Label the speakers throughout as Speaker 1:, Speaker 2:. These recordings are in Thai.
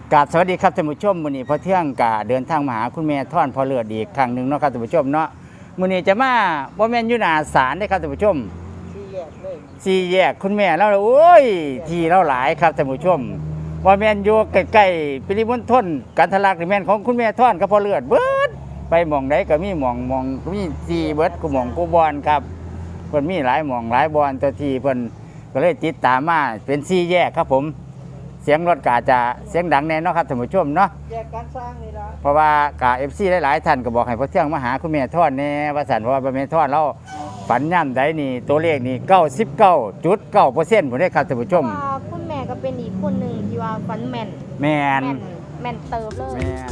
Speaker 1: กราบสวัสดีครับท่านผู้ชมมื้อนี้พอเที่ยงกะเดินทางมาหาคุณแม่ท่อนพอเลือดอีกครั้งหนึ่งเนาะครับท่านผู้ชมเนาะมื้อนี้จะมาบ่แม่นอยู่หน้าศาลเด้ครับท่านผู้ชมสี่แยกคุณแม่เราโอ้ยที่เราหลายครับท่านผู้ชมบ่แม่นอยู่ใกล้ๆปริมณฑลกันทะลักนี่แม่นของคุณแม่ท่อนกับพอเลือดเบิดไปหม่องใดก็มีหม่องมีสี่เบิดกูหม่องกูบอนครับเพิ่นมีหลายหม่องหลายบอนตัวที่เพิ่นก็เลยติดตามมาเป็นสี่แยกครับผมเสียงรถกาจะเสียงดังแน่เนาะครับท่านผู้ชมเนาะ
Speaker 2: แยกการสร้างนี่ละ
Speaker 1: เพราะว่ากาFCหลายๆท่านก็บอกให้พ่อเที่ยงมาหาคุณแม่ทอดแน่ว่าสันเพราะว่าแม่ทอดเราฝันย่ำใดนี่ตัวเลขนี่99.9%ผมได้ครับท่านผู้ชม
Speaker 3: ว่าคุณแม่ก็เป็นอีกคนหนึ่งที่ว่าฝันแม่น
Speaker 1: แม่น
Speaker 3: แม่นเติบเลย
Speaker 1: แม่น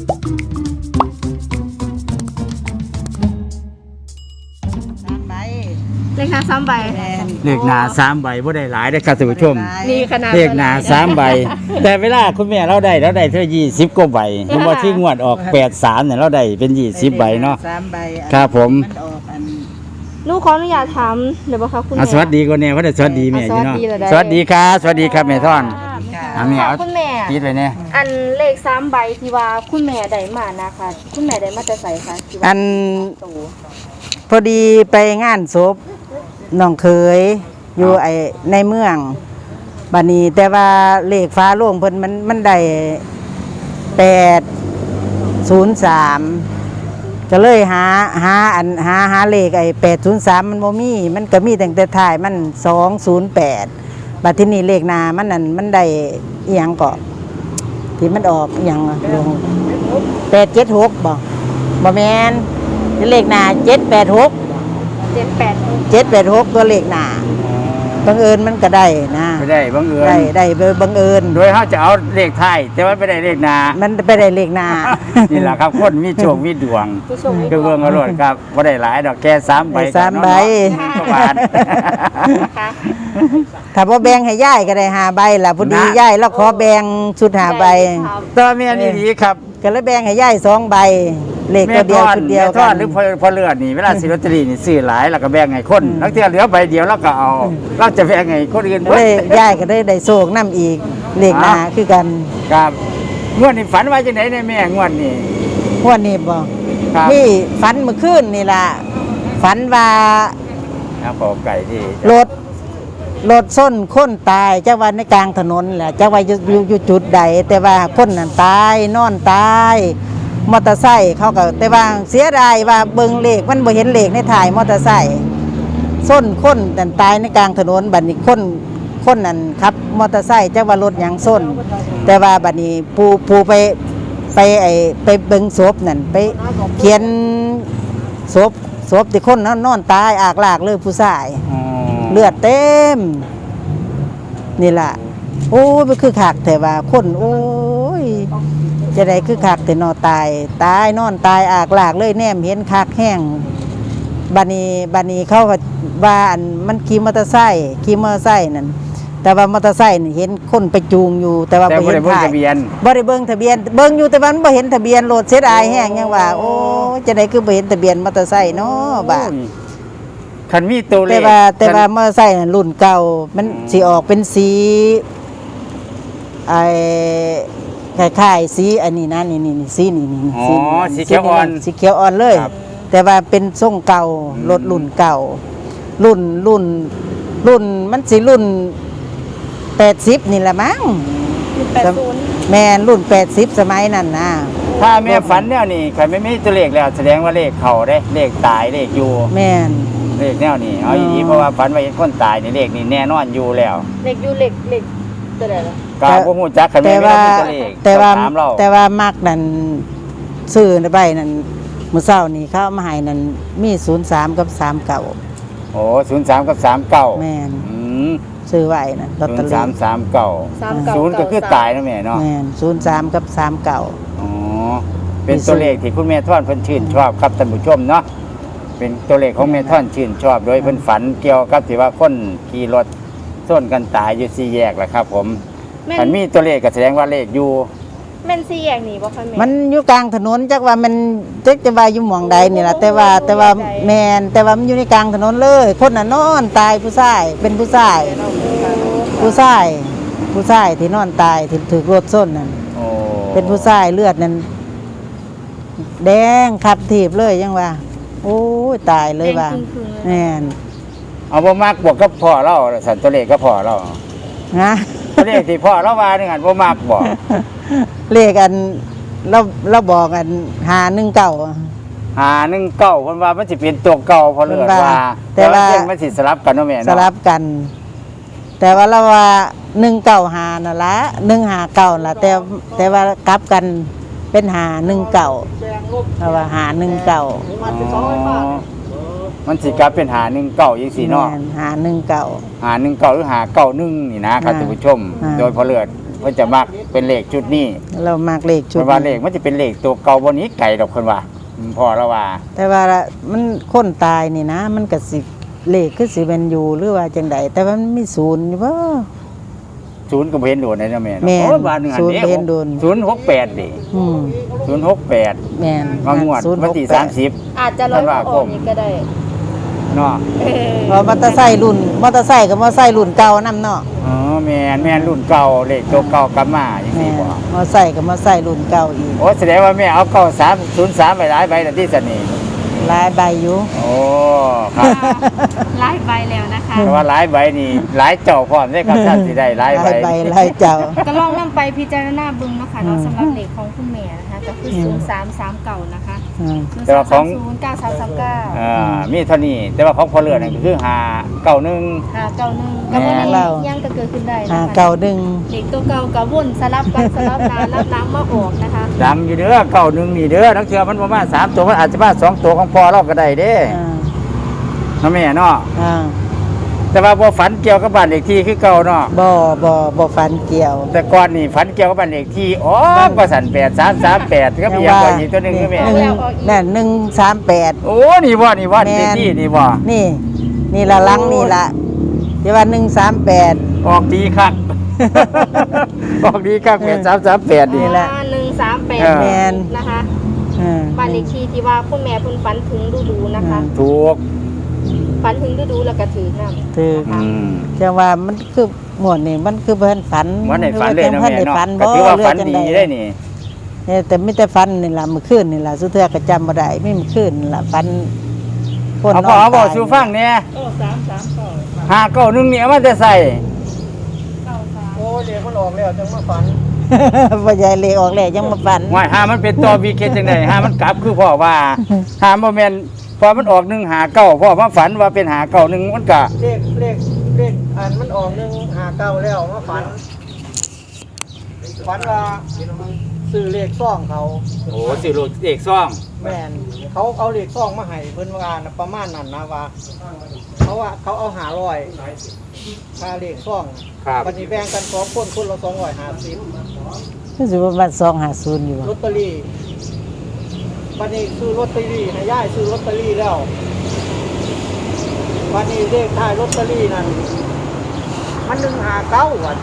Speaker 2: 3 ใบ
Speaker 3: เลขหน้า3 ใบ
Speaker 1: เลขหน้า3 ใบบ่ได้หลายได้อครับท่านผู้ชม
Speaker 3: นี่ขนาด
Speaker 1: เลขหน้า3 ใบแต่เวลาคุณแม่เราได้เท่า20กว่าใบผมว่าที่งวดออก83เนี่ยเราได้เป็น20ใบเนาะ
Speaker 2: 3 ใบ
Speaker 1: ครับผม
Speaker 2: มันออกอัน
Speaker 3: หนูขออนุญาตถามเดี๋ยวบ่คะคุณแม่
Speaker 1: สวัสดีก่อนแน่ว่าได้สวัสดีแม่อยู่เนาะสวัสดีครับแม่ทอนแม่เอา
Speaker 3: คุณแม่
Speaker 1: ติดไว้เนี่ย
Speaker 3: อันเลข3 ใบที่ว่าคุณแม่ได้มานะคะคุณแม่ได้มาแต่ไสคะที่ว่า
Speaker 2: อันพอดีไปงานศพน้องเคยอยู่ในเมืองบัดนี้แต่ว่าเลขฟ้าโล่งเพิ่นมันได้803ก็เลยหาเลข803มันบ่มีมันก็มีตั้งแต่ท้ายมัน208บัดทีนี้เลขหน้ามันนั่นมันได้อีหยังก็ที่มันออกอีหยังลง876บ่แม่นเลขหน้า786 786ตัวเลขหน้าบังเอิญมันก็ได้นะ
Speaker 1: ไม่ได้บังเอิญ
Speaker 2: ได้บังเอิญ
Speaker 1: โดยเขาจะเอาเลขไทยแต่ว่าไม่ได้เลขนา
Speaker 2: มันไปได้เลขหน้า
Speaker 1: นี่แหละครับคนมีโชคมีดวงคือเบิ่งเอาโลดครับบ่ได้หลายดอกแค่3 ใบ
Speaker 2: 3 ใบ
Speaker 1: ประมาณ
Speaker 2: ถ้าบ่แบ่งให้ยายก็ได้5 ใบล่ะพอดียายแล้วขอแบ่งชุด5 ใบ
Speaker 1: ตัวแม่นี่ดีครับ
Speaker 2: ก็เลยแบ่งให้ยาย2 ใบเลขตัวเดียวชุดเดียว
Speaker 1: กันหรือพอเลือดนี่เวลาซื้อลอตเตอรี่นี่ซื้อหลายแล้วก็แบ่งให้คนแล้วเที่ยเหลือใบเดียวแล้วก็เอาเราจะแบ่งให้คนอื่นเบิด
Speaker 2: ยายก็ได้โชคนำอีกเลขหน้าคือกัน
Speaker 1: ครับงวดนี้ฝันว่าจังได๋เนี่ยแม่งวดนี้
Speaker 2: งวดนี้บ่นี่ฝันเมื่อคืนนี่ล่ะฝันว่า
Speaker 1: ครับขอไก่ที่
Speaker 2: รถส้นคนตายจักว่าในกลางถนนแหละจักว่าอยู่จุดใดแต่ว่าคนนั้นตายนอนตายมอเตอร์ไซค์เขาก็แต่ว่าเสียดายว่าเบิ่งเลขมันบ่เห็นเลขในถ่ายมอเตอร์ไซค์ส้นคนนั้นตายในกลางถนนบัดนี้คนนั้นขับมอเตอร์ไซค์จักว่ารถหยังส้นแต่ว่าบัดนี้ผู้ไปเบิ่งศพนั่นไปเขียนศพที่คนนอนตายอากลากเลยผู้ชายเลือดเต็มนี่ล่ะโอ้ยมันคือขากแต่ว่าคนโอ้ยจะได้คือขากแต่นอนตายนอนตายอากลากเลยแนมเห็นขากแห้งบัดนี้เขาก็ว่าอันมันขี่มอเตอร์ไซค์นั่นแต่ว่ามอเตอร์ไซค์นี่เห็นคนไปจูงอยู่แต่ว่าบ่เห็นทะเบียนบ่ได้เบิ่งทะเบียนเบิ่งอยู่แต่ว่ามันบ่เห็นทะเบียนรถเสียดายแห้งยังว่าโอ้จะได้คือบ่เห็นทะเบียนมอเตอร์ไซค์เนาะบ่า
Speaker 1: คันมีตัวเลข
Speaker 2: แต่ว่ามอเตอร์ไซค์รุ่นเก่ามันสิออกเป็นสีคล้ายๆสีอันนี้นะนี่สีนี่
Speaker 1: สีเขียว
Speaker 2: อ่อนเลยแต่ว่าเป็นทรงเก่ารถรุ่นเก่ารุ่นมันสิรุ่น80นี่แหละมั้ง80แม่นรุ่น80สมัยนั้นนะ
Speaker 1: ถ้าแม่ฝันแนวนี้ใครไม่มีตัวเลขแล้วแสดงว่าเลขเข้าได้เลขตายเลขอยู่
Speaker 2: แม่น
Speaker 1: เลขแนวนี้เอาอย่างนี้เพราะว่าฝันว่าเห็นคนตายนี่เลขนี่แน่นอนอยู่แล้ว
Speaker 3: เลขอยู่เลขตัวใดล่ะ
Speaker 1: ก็บ่ฮู้จักคันแม่มีตัวเลข
Speaker 2: แต่ว่ามักนั่นซื้อใบนั่นมื้อเช้านี่เขามาให้นั่นมี03กับ39
Speaker 1: โอ้03กับ39
Speaker 2: แม่นซื้อไว้นั่นลอตเตอรี่
Speaker 1: 0339 0ก็คือตายนะแม่เนาะ
Speaker 2: แม่น03กับ39
Speaker 1: อ๋อเป็นตัวเลขที่คุณแม่ท่อนเพิ่นชื่นชอบครับท่านผู้ชมเนาะเป็นตัวเลขของแม่ท่อนชื่นชอบโดยเพิ่นฝันเกี่ยวกับที่ว่าคนขี่รถส้นกันตายอยู่4 แยกแหละครับผมมันมีตัวเลขก็แสดงว่าเลขอยู่
Speaker 3: แม่น4 แยกนี่บ่คะแม่
Speaker 2: มันอยู่กลางถนนจักว่ามันจักจะว่าอยู่หม่องใดนี่ล่ะแต่ว่าแม่นแต่ว่ามันอยู่ในกลางถนนเลยคนน่ะนอนตายผู้ชายเป็นผู้ชายที่นอนตายถูกรถส้นนั่น
Speaker 1: โอ้
Speaker 2: เป็นผู้ชายเลือดนั่นแดงขับถีบเลยยังว่าโอ้ยตายเลยว่า
Speaker 3: แดงครึ่งๆเลย
Speaker 2: แม่น
Speaker 1: เอาบ่มักบวกกับพ่อเราสันตัวเลขก็พ่อเรา
Speaker 2: นะ
Speaker 1: ตัวเลขที่พ่อเราว่านี่หั่นบ่มักบ่
Speaker 2: เลขอันเราบอกกัน519
Speaker 1: หา1 9เพิ่นว่ามันสิเป็นตัวเก่าพอเลือดว่า
Speaker 2: แต่ว่า
Speaker 1: เรื่องมันสิสลับกันเนาะแม่
Speaker 2: ส
Speaker 1: เนาะ
Speaker 2: ลับกัน แต่ว่าเราว่า195นั่นละ159ล่ะแต่ว่ากลับกันเป็น519เราว่า519
Speaker 1: อ๋อมันสิกลับเป็นหา1 9จังซี่เนาะ
Speaker 2: แม่น519
Speaker 1: หา1 9หรือหา9 1นี่นะครับท่านผู้ชม โดยพอเลือดเพิ่นจะมักเป็นเลขชุดนี้
Speaker 2: เรามากเลขชุ
Speaker 1: เพิ่
Speaker 2: ด
Speaker 1: นว่าเลขมันจะเป็นเลขตัวเก่าบ่หนี้ไกลดอกเพิ่นว่าพ่อเราว่า
Speaker 2: แต่ว่ามันคนตายนี่นะ มันก็สิเลขคือสิเป็นอยู่หรือว่าจังใดแต่ว่ามันมีศูนย์อยู่บ่
Speaker 1: ศูนย์ก็บ่เห็นโดนได้เนาะแม่เนาะ
Speaker 2: แม่น
Speaker 1: โอ้บ้านหนึงอัน
Speaker 2: ศูนย์
Speaker 1: นี้
Speaker 2: บ่เห็นโดน
Speaker 1: 068ดิ
Speaker 2: อืม
Speaker 1: 068
Speaker 2: แม่น
Speaker 1: มางวดวันที่
Speaker 2: 068
Speaker 1: 30
Speaker 3: อาจจะร้อยบ่ออกอีกก็ได้
Speaker 1: เนาะ
Speaker 2: เพราะมอเตอร์ไซค์รุ่นมอเตอร์ไซค์กับมอเตอร์ไซค์รุ่นเก่านำเนาะ
Speaker 1: อ๋อแม่นรุ่นเก่าเลขตัวเก่ากลับมาจัง
Speaker 2: แม่
Speaker 1: ซี่
Speaker 2: น
Speaker 1: บ่
Speaker 2: มอเตอร์ไซค์กับมอเตอร์ไซค์รุ่นเก่าอีก
Speaker 1: โอ้แสดงว่าแม่เอา9303ไปหลายใบแล้วที่สนี่
Speaker 2: หลายใบอยู่
Speaker 1: โอ้ครับ
Speaker 3: ไล่ใบแล้วนะคะ
Speaker 1: แต่ว่าหลายใบนี่หลายเจ้าพร้อมเด้ครับท่านสิได้หลายใบ
Speaker 2: หลายเจ้า
Speaker 3: ก็ลองนำไปพิจารณาเบิ่งเนาะค่ะเนาะสำหรับเลขของคุณแม่นะคะก็คือ0339นะคะ
Speaker 2: อืม
Speaker 1: แต่ว่าของ
Speaker 3: 0339
Speaker 1: มีเท่านี้แต่ว่าของพอเลือดนั่นก็คือ591
Speaker 3: 591ก็บ่มียังก็เกิดขึ้นได้นะคะ
Speaker 2: เก่าดึง
Speaker 3: เด็กตัวเก่าก็วนสลับกันสลับนารับน้ำมาออกนะคะ
Speaker 1: ดังอยู่เด้อ91นี่เด้อนักเชื่อมันประมาณ3ตัวมันอาจจะมา2ตัวของพอเราก็ได้เด้
Speaker 2: อ่า
Speaker 1: เนาะแม่เนาะ
Speaker 2: อ่า
Speaker 1: แต่ว่าบ่ฝันเกี่ยวกับบ้านเลขที่คือเก่าเนาะ
Speaker 2: บ่ฟันเกี่ยว
Speaker 1: แต่ก่อนนี่ฝันเกี่ยวกับบ้านเลขที่อ๋อก็สั่น8338ก็มีอย่างก่อนอีกตัวหนึงคือแม่
Speaker 2: นั่น138
Speaker 1: โอ้นี่บ่นี่ว่าเลขที่นี่บ่
Speaker 2: นี่ละลังนี่ละที่ว่า138
Speaker 1: ออกดีคัก ออกดีคัก8338นี่
Speaker 2: นี่แหละ
Speaker 3: 138
Speaker 2: แม่น
Speaker 3: นะคะ
Speaker 2: อืม
Speaker 3: บ้านเลขที่ที่ว่าคุณแม่เพิ่นฝันถึงดูๆนะคะ
Speaker 1: ถูก
Speaker 3: ฝันถึงดูๆแล้วก็ถือนำ
Speaker 2: ถือ
Speaker 1: อืม
Speaker 2: จังว่ามันคือหมวดนี่มันคือเพิ่นฝัน
Speaker 1: วันไหนฝันเลยเนาะ
Speaker 2: พิ่
Speaker 1: แม่
Speaker 2: ได้
Speaker 1: เนาะ
Speaker 2: ฝัน
Speaker 1: ก็
Speaker 2: บ่
Speaker 1: ถือว่าฝัน
Speaker 2: เรื่อง
Speaker 1: ดี
Speaker 2: จัง
Speaker 1: ได้นี่
Speaker 2: แต่ไม่แต่ฝันนี่ล่ะมื้อคืนนี่ล่ะสุดท้ายก็จำบ่ได้ไม่มื้อคืนนี่ล่ะฝันคน
Speaker 1: เอา
Speaker 2: น
Speaker 1: พอ
Speaker 2: อน
Speaker 1: เอาบอก
Speaker 2: ตาย
Speaker 1: สู่ฟังเนี่ย591นี่เอามาจะใส่
Speaker 4: โอ้เด็กมันออกแล้วจังมาฝัน
Speaker 2: บ่ใหญ่เลยออกแล้วยังมาฝัน
Speaker 1: ว่าหามันเป็นตัววีเคจังได๋หามันกลับคือพ่อว่าหาบ่แม่นพอมันออก159พ่อมาฝันว่าเป็น591มันก็
Speaker 4: เลขอันมันออก159แล้วมาฝันว่าซื้อเลขซ่องเขา
Speaker 1: โอ้สิโลเอกซ่อง
Speaker 4: แม่นเขาเอาเลขซ่องมาให้เพิ่นว่าน่ะประมาณนั้นนะว่าเขาเอา500ค่าเลขซ่อง
Speaker 1: ครับ
Speaker 4: วันนี้แบ่งกัน2คนคนละ250
Speaker 2: คือสิว่ามัน250อยู่
Speaker 4: ลอตเตอรี่วันนี้ซื้อลอตเตอรี่ให้ย่ายซื้อลอตเตอรี่แล้ววันนี้เลขท้ายลอตเตอรี่นั่นมัน159วัน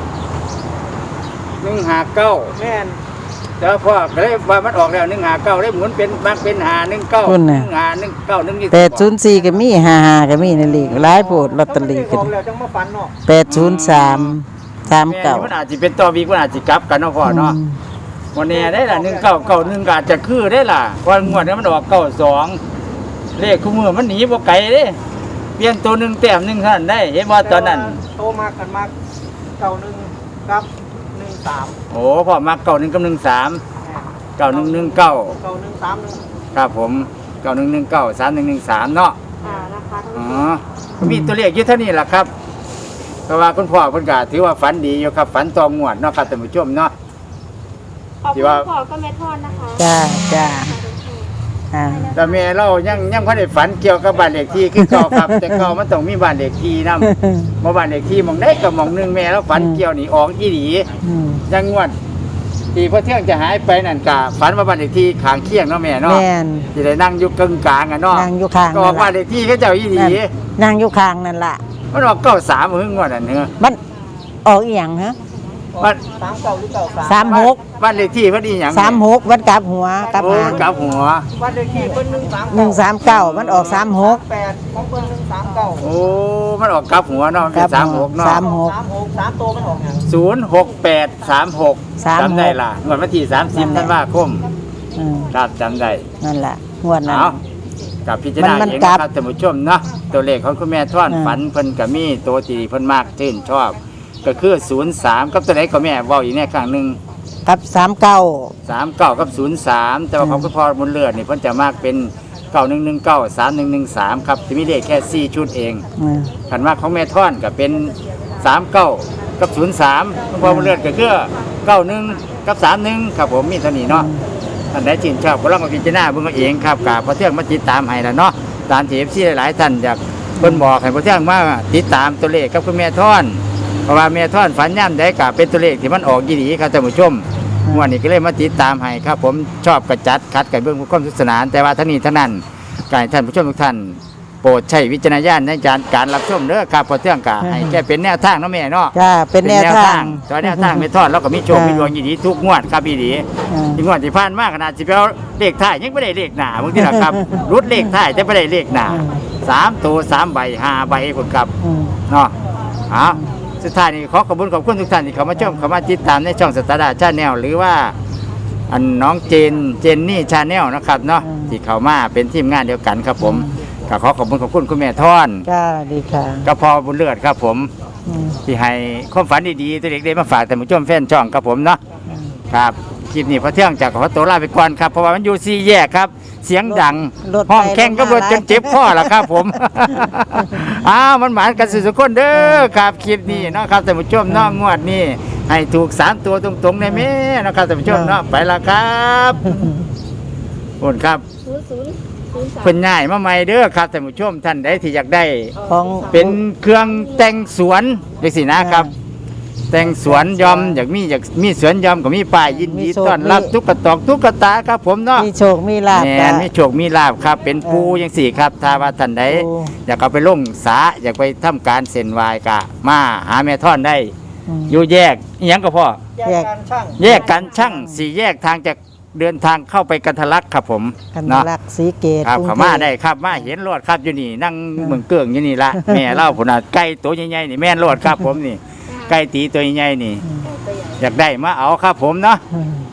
Speaker 1: 159
Speaker 4: แม่น
Speaker 1: แต่ว่าพ่อก็เลยว่ามันออกแล้ว159เลยหมุนเป็นมักเป็น519
Speaker 2: พุ่นน่ะ
Speaker 1: 151นี่
Speaker 2: 804ก็มี55ก็มีในเลขหลายโพดลอตเตอรี่
Speaker 4: อ
Speaker 2: ขึ้น
Speaker 4: อกแล้วจังมาฝันเนาะ
Speaker 2: 803
Speaker 1: แม่มัน
Speaker 2: 39
Speaker 1: อาจสิเป็นตัววีมันอาจสิกลับกันเนาะพ่อเนาะวันนี้ได้ล่ะ1991ก็อาจจะคือได้ล่ะวันงวดนี้มันออก92เลขคู่มือมันหนีบ่ไกลเด้เปลี่ยนตัวหนึงแต้มหนึงเท่านั้นได้เห็นบ่ตอนนั้น
Speaker 4: โตมากันมาก91ครับ13
Speaker 1: โอ้พ่อมัก91กับ13 9119
Speaker 4: 9131
Speaker 1: ครับผม9119 3113เนาะ
Speaker 3: นะคะ
Speaker 1: อ๋อมีตัวเลขอยู่เท่านี้แหละครับเพราะว่าคุณพ่อเพิ่นก็ถือว่าฝันดีอยู่ครับฝันตองงวดเนาะครับท่านผู้ชมเนาะ
Speaker 3: ขอบ
Speaker 1: ที่
Speaker 3: คุณ
Speaker 1: ว่า
Speaker 3: พ่อก็แม่ทอดนะคะ
Speaker 2: จ้าอ่า
Speaker 1: แต่แม่เรายังบ่ได้ฝันเกี่ยวกับบ้านเลขที่คือเก่าครับ แต่เก่ามันต้องมีบ้านเลขที่นำบ่บ้านเลขที่หม่องใดก็หม่องหนึงแม่เราฝันเกี่ยวนี่ออกอีหลี
Speaker 2: อืม
Speaker 1: ยังงวดที่พอเที่ยงจะหายไปนั่นก็ฝันว่าบ้านเลขที่ข้างเคียงเนาะแม่เนาะ
Speaker 2: แม่น
Speaker 1: สิได้นั่งอยู่กึ่งกลางอ่ะเนาะ
Speaker 2: นั่งอยู่ข้าง
Speaker 1: ก็ออกบ้านเลขที่เขาเจ้าอีหลี
Speaker 2: นั่งอยู่ข้างนั่นล่ะ
Speaker 1: มันออก93หึงงวดนั่นเนอะ
Speaker 2: มันออกอีหยังฮะ
Speaker 1: บ้าน
Speaker 4: 39หรือ93
Speaker 2: 36
Speaker 1: บ้านเลขที่เพิ่นอีหยัง
Speaker 2: 36วัดกลับหัวกลับ
Speaker 1: โอ้
Speaker 2: หาง
Speaker 1: กลับหัว
Speaker 4: บ้านเลขที่เพิ่น139
Speaker 2: มันออก
Speaker 4: 8ของเพิ่น139
Speaker 1: โอ้มันออกกลับหัวเนาะมันเป็น36เนาะ
Speaker 4: 36 3ตัวมันออกหยัง
Speaker 1: 06836จำได้ล่ะงวดวันที่30ธันวาคม
Speaker 2: อืม
Speaker 1: ครับจำได้
Speaker 2: นั่นล่ะงวดนั้น
Speaker 1: เอากับพิจารณา
Speaker 2: มัน
Speaker 1: เอง
Speaker 2: กลั
Speaker 1: นะ
Speaker 2: บ
Speaker 1: ครับท่านผู้ชมเนาะตัวเลขของคุณแม่ท่อน
Speaker 2: อืม
Speaker 1: ฝันเพิ่นก็มีตัวที่เพิ่นมากชื่นชอบ ก็คือ03กับตัวไหนก็แม่เว้าอีกแน่ครั้งหนึง
Speaker 2: กับ39
Speaker 1: 39กับ03แต่ว่าของคุณพ่อบุญเลือดนี่เพิ่นจะมากเป็น9119 3113ครับจะมีเลขแค่4ชุดเอง
Speaker 2: อืม
Speaker 1: ขันมากของแม่ท่อนก็เป็น39กับ03คุณพ่อบุญเลือดก็คือ91กับ31ครับผมมีเท่านี้เนาะ ท่านใดชื่นชอบก็ลองมาพิจารณาเบิ่งเอาเองครับกับพระเที่ยงมาติดตามให้แล้วเนาะตามที่ FC หลายๆท่านอยากเพิ่นบอกให้พระเที่ยงมาติดตามตัวเลขกับคุณแม่ท่อนเพราะว่าแม่ท่อนฝันย่ำได้ก็เป็นตัวเลขที่มันออกยี่ดีครับท่านผู้ชมงวดนี้ก็เลยมาติดตามให้ครับผมชอบกระจัดคัดกันเบิ่งความสนุกสนานแต่ว่าทั้งนี้ทั้งนั้นก็ให้ท่านผู้ชมทุกท่านโปรดใช้วิจารณญาณในการรับชมเด้อครับพระเที่ยงก็ให้แค่เป็นแนวทางเนาะแม่เนาะ
Speaker 2: จ้าเป็นแนวทาง
Speaker 1: ตัวแนวทางไม่ทอดแล้วก็มีโชคมีดวงยี่ดีทุกงวดครับพี่ดี
Speaker 2: อืม
Speaker 1: ที่งวดที่ผ่านมาขนาดสิไปเอาเลขท้ายยังไม่ได้เลขหน้าบางทีนะครับ รุดเลขท้ายแต่ไม่ได้เลขหน้า3 ตัว3 ใบ5 ใบคนครับ
Speaker 2: อืม
Speaker 1: เนาะเอาสุดท้ายนี้ขอขอบคุณทุกท่านที่เข้ามาชมเข้ามาติดตามในช่องสตาร์ดาชาแนลหรือว่าอันน้องเจนนี่ชาแนลนะครับเนาะที่เข้ามาเป็นทีมงานเดียวกันครับผมก็ขอขอบคุณคุณแม่ท่อน
Speaker 2: จ้าดีค่ะ
Speaker 1: ก็พอบุญเลือดครับผม
Speaker 2: อืม
Speaker 1: ที่ให้ความฝันดีๆตัวเด็กได้มาฝากแต่านผู้ชมแฟนช่องครับผมเนาะ
Speaker 2: อืม
Speaker 1: ครับคลิปนี้พอเที่ยงจากขอตัวลาไปก่อนครับเพราะว่ามันอยู่สี่แยกครับ เสียงดัง
Speaker 2: รถ
Speaker 1: ห้องแข่งก็รถ
Speaker 2: ไป
Speaker 1: จนเจ็บคอแล้วครับผม อ้าวมันหมานกันสุดๆคนเด้อครับคลิปนี้เนาะครับแต่านผู้ชมเนาะงวดนี้ให้ถูก3 ตัวตรงๆในแม่เนาะครับแต่านผู้ชมเนาะไปละครับขอบคุณครับ
Speaker 3: 0003
Speaker 1: เพิ่นง่ายมาใหม่เด้อครับแต่านผู้ชมท่านใดที่อยากได้
Speaker 2: ของ
Speaker 1: เป็นเครื่องแต่งสวนจังซี่นะครับ แต่งสวนยอมอยากมีสวนยอมก็มีป้ายยินดีต้อนรับตุ๊กตอกตุ๊กตาครับผมเนาะ
Speaker 2: มีโชคมีลาภ
Speaker 1: แห
Speaker 2: จ้ะ
Speaker 1: นมีโชคมีลาภครับเป็นปูจังสี่ครับถ้าว่าท่านใด
Speaker 2: ปู
Speaker 1: อยากเอาไปลงสาอยากไปทำการเส้นไหวายกะมาหาแม่ท่อนได้
Speaker 2: อืม
Speaker 1: อยู่แยกอิหยังก็พ่อ
Speaker 4: แยกการช่าง
Speaker 1: แยกกันช่างสี่แยกทางจากเดินทางเข้าไปกันทะลักครับผม
Speaker 2: คัน
Speaker 1: เนาะ
Speaker 2: รักสีเกต
Speaker 1: ครับ
Speaker 2: กรุง
Speaker 1: เขา
Speaker 2: ทพ
Speaker 1: มาได้ครับมาเห็นรถครับอยู่นี่นั่งเมืองเกื่องอยู่นี่ละ แม่เล่าผลน่ะไก่ตัวใหญ่ๆนี่แม่นรถครับผมนี่ไก่ตีตัวใหญ่ๆนี่ อยากได้มาเอาครับผมเนาะ
Speaker 2: อืม